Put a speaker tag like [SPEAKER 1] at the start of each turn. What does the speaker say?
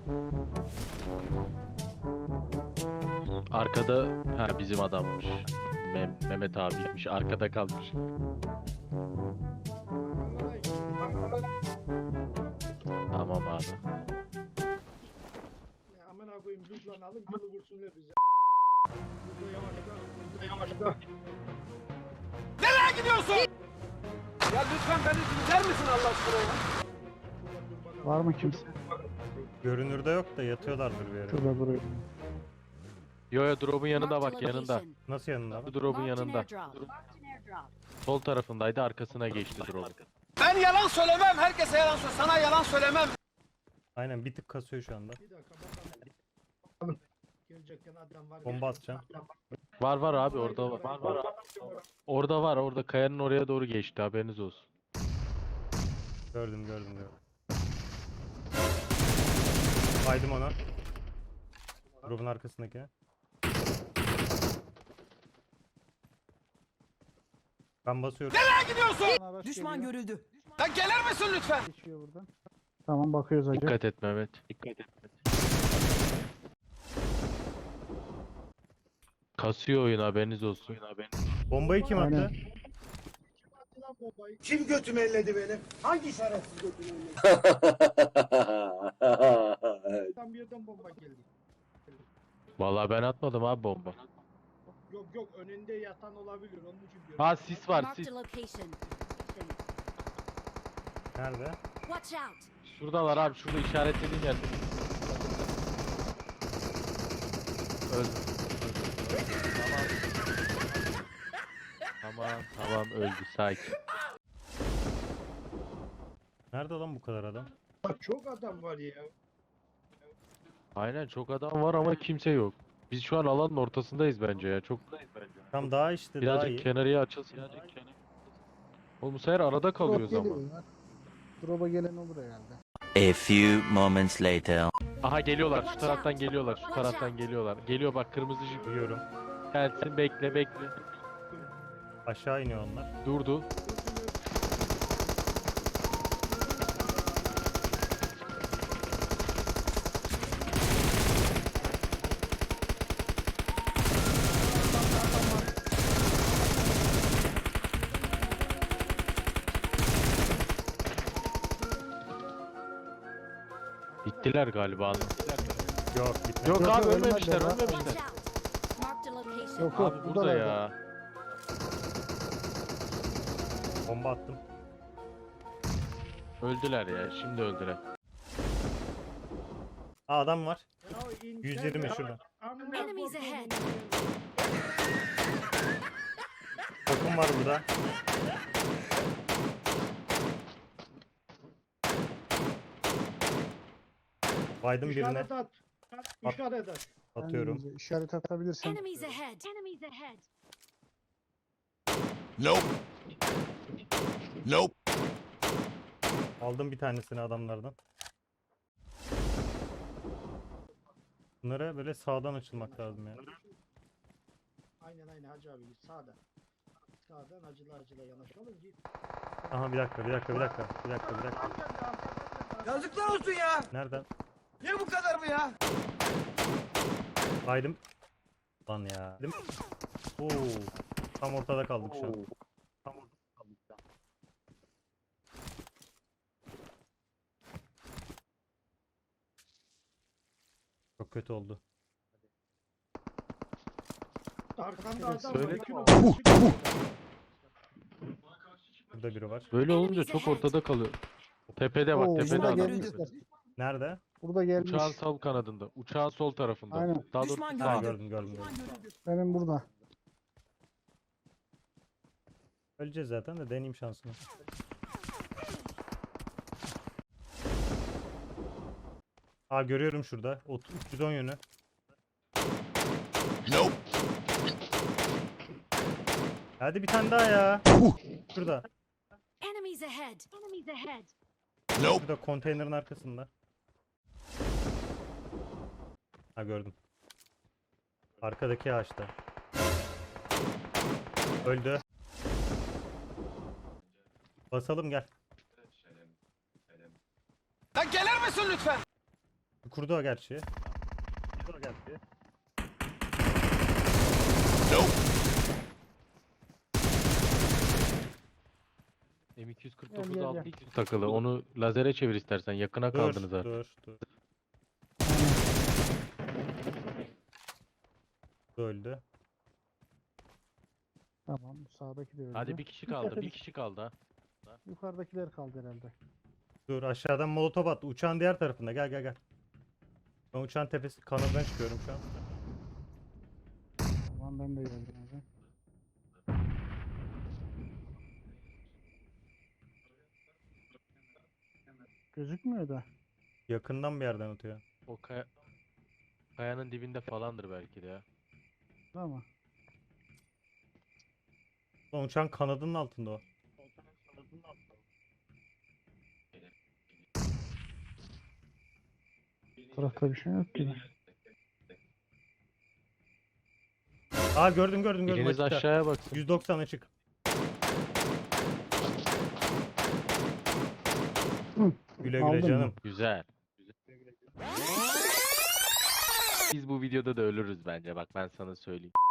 [SPEAKER 1] Arkada ha bizim adammış. Mehmet abiymiş. Arkada kalmış. Tamam abi.
[SPEAKER 2] Ya amına koyayım lütfen alın kılı vursunlar bize. Burada yavaşla. Nereye gidiyorsun? Ya lütfen beni dinler misin Allah aşkına ya?
[SPEAKER 3] Var mı kimse?
[SPEAKER 4] Görünürde yok da yatıyorlardır bir yere.
[SPEAKER 3] Şurada duruyor.
[SPEAKER 1] Yo yo drop'un yanında bak yanında.
[SPEAKER 4] Nasıl yanında?
[SPEAKER 1] Bu drop'un yanında. Sol tarafındaydı arkasına geçti drop.
[SPEAKER 2] Ben yalan söylemem. Herkese yalan söyle. Sana yalan söylemem.
[SPEAKER 4] Aynen bir tık kasıyor şu anda.
[SPEAKER 2] Bir dakika bakalım. Gelecekken adam var.
[SPEAKER 4] Bomba atacağım.
[SPEAKER 1] Var abi orada var. Var. Orada var orada kayanın oraya doğru geçti haberiniz olsun.
[SPEAKER 4] Gördüm. Baydım ona. Grubun arkasındaki. Ben basıyorum.
[SPEAKER 2] Nereye gidiyorsun?
[SPEAKER 3] Araç
[SPEAKER 5] Düşman
[SPEAKER 3] geliyor.
[SPEAKER 5] görüldü.
[SPEAKER 2] Lan gelir misin lütfen?
[SPEAKER 3] Geçiyor buradan. Tamam bakıyoruz hacı.
[SPEAKER 1] Dikkat et Mehmet. Dikkat et. Kasıyor oyun haberiniz olsun.
[SPEAKER 4] Bombayı kim attı?
[SPEAKER 3] Aynen.
[SPEAKER 2] Kim götümü elledi benim? Hangi şerefsiz götümü elledi? Tam bir yerden bomba geldi.
[SPEAKER 1] Vallahi ben atmadım abi bomba.
[SPEAKER 2] Yok önünde yatan olabilir onun için diyorum.
[SPEAKER 1] Ha sis var
[SPEAKER 6] Marked
[SPEAKER 1] sis.
[SPEAKER 6] a location.
[SPEAKER 4] Nerede?
[SPEAKER 6] Watch out!
[SPEAKER 1] Şuradalar abi şurada işaretlediğin yerde. Öldü. Tamam öldü sakin.
[SPEAKER 4] Nerede lan bu kadar adam?
[SPEAKER 2] Bak çok adam var ya.
[SPEAKER 1] Aynen çok adam var ama kimse yok. Biz şu an alanın ortasındayız bence ya. Çok
[SPEAKER 4] Tam daha işte daha
[SPEAKER 1] birazcık
[SPEAKER 4] iyi.
[SPEAKER 1] kenarıya açılsın. Oğlum bu sefer arada kalıyoruz
[SPEAKER 3] Drop
[SPEAKER 1] ama.
[SPEAKER 3] geliyor ya. Drop'a gelen olur herhalde.
[SPEAKER 7] A few moments later.
[SPEAKER 1] Aha geliyorlar şu taraftan geliyorlar şu taraftan geliyorlar. Geliyor bak kırmızı jip.
[SPEAKER 4] Duyuyorum.
[SPEAKER 1] Gelsin bekle.
[SPEAKER 4] Aşağı iniyor onlar.
[SPEAKER 1] Durdu. Bittiler galiba.
[SPEAKER 4] Yok gitmedi.
[SPEAKER 1] Yok
[SPEAKER 3] Yok,
[SPEAKER 1] abi
[SPEAKER 3] yok,
[SPEAKER 1] ölmemişler
[SPEAKER 3] ölmediler lan.
[SPEAKER 6] Watch
[SPEAKER 1] ölmemişler.
[SPEAKER 6] out! Marked a location.
[SPEAKER 3] Yok
[SPEAKER 1] Abi burada
[SPEAKER 3] buradalar.
[SPEAKER 1] ya.
[SPEAKER 4] Bomba attım.
[SPEAKER 1] Öldüler ya şimdi öldüler.
[SPEAKER 4] Aa adam var.
[SPEAKER 2] Ya
[SPEAKER 4] 120 şurada.
[SPEAKER 6] Enemies ahead.
[SPEAKER 4] Takım var burada. Baydım birine.
[SPEAKER 2] İşaret at. İşaret at.
[SPEAKER 4] Atıyorum.
[SPEAKER 3] Kendinize İşaret atabilirsen.
[SPEAKER 6] Enemies ahead. Enemies ahead.
[SPEAKER 4] Aldım bir tanesini adamlardan. Bunlara böyle sağdan açılmak lazım ya.
[SPEAKER 2] Aynen Hacı abi sağda. Sağdan acıla yanaşalım ki.
[SPEAKER 4] Aha bir dakika.
[SPEAKER 2] Yazıklar olsun ya.
[SPEAKER 4] Nereden?
[SPEAKER 2] Niye bu kadar mı ya?
[SPEAKER 4] Baydım. Lan ya. Değil mi? Oo. Tam ortada kaldık şu an. Çok kötü oldu.
[SPEAKER 2] Arkanda adam
[SPEAKER 1] Söyle.
[SPEAKER 2] var. iki
[SPEAKER 1] Puh,
[SPEAKER 2] numara.
[SPEAKER 4] Burada biri var.
[SPEAKER 1] Böyle olunca çok ortada kalıyor. Tepede bak
[SPEAKER 3] Oo,
[SPEAKER 1] tepede
[SPEAKER 3] burada
[SPEAKER 1] adam.
[SPEAKER 3] gelmişler.
[SPEAKER 4] Nerede?
[SPEAKER 3] Burada gelmiş.
[SPEAKER 1] Uçağın sol kanadında. Uçağın sol tarafında.
[SPEAKER 3] Aynen.
[SPEAKER 1] Daha doğrusu
[SPEAKER 5] Düşman
[SPEAKER 1] sağ.
[SPEAKER 5] görüldü.
[SPEAKER 4] Gördüm.
[SPEAKER 5] Düşman görüldü.
[SPEAKER 3] Benim burada.
[SPEAKER 4] Öleceğiz zaten de deneyeyim şansımı. Aa görüyorum şurada. 310 yönü. Hadi bir tane daha ya. Şurada.
[SPEAKER 6] Enemies ahead. Enemies ahead.
[SPEAKER 4] Şurada konteynerin arkasında. Ha gördüm. Arkadaki ağaçta. Öldü. Basalım gel.
[SPEAKER 2] Lan gelir misin lütfen?
[SPEAKER 4] Kurdu o gerçi.
[SPEAKER 3] Gel,
[SPEAKER 1] M249
[SPEAKER 3] gel,
[SPEAKER 1] 6x takılı. Onu lazere çevir istersen. Yakına kaldınız artık.
[SPEAKER 4] Dur. Öldü.
[SPEAKER 3] Tamam, bu sağdaki de öldü.
[SPEAKER 1] Hadi bir kişi kaldı. Bir kişi kaldı ha.
[SPEAKER 3] Yukarıdakiler kaldı herhalde.
[SPEAKER 4] Dur aşağıdan molotof attı. Uçağın diğer tarafında. Gel. Ben uçağın tepesi kanadından çıkıyorum şu an.
[SPEAKER 3] Tamam, ben de geldim hocam. Gözükmüyor da.
[SPEAKER 4] Yakından bir yerden atıyor.
[SPEAKER 1] O kayanın dibinde falandır belki de ya.
[SPEAKER 3] Tamam.
[SPEAKER 4] Lan uçağın kanadının altında o.
[SPEAKER 3] Bu tarafta bir şey yok gibi.
[SPEAKER 4] Aa gördüm.
[SPEAKER 1] Biriniz
[SPEAKER 4] açıkta.
[SPEAKER 1] aşağıya baksın.
[SPEAKER 4] 190 açık. Güle
[SPEAKER 3] Aldın mı?
[SPEAKER 4] canım.
[SPEAKER 1] Güzel. Biz bu videoda da ölürüz bence. Bak ben sana söyleyeyim.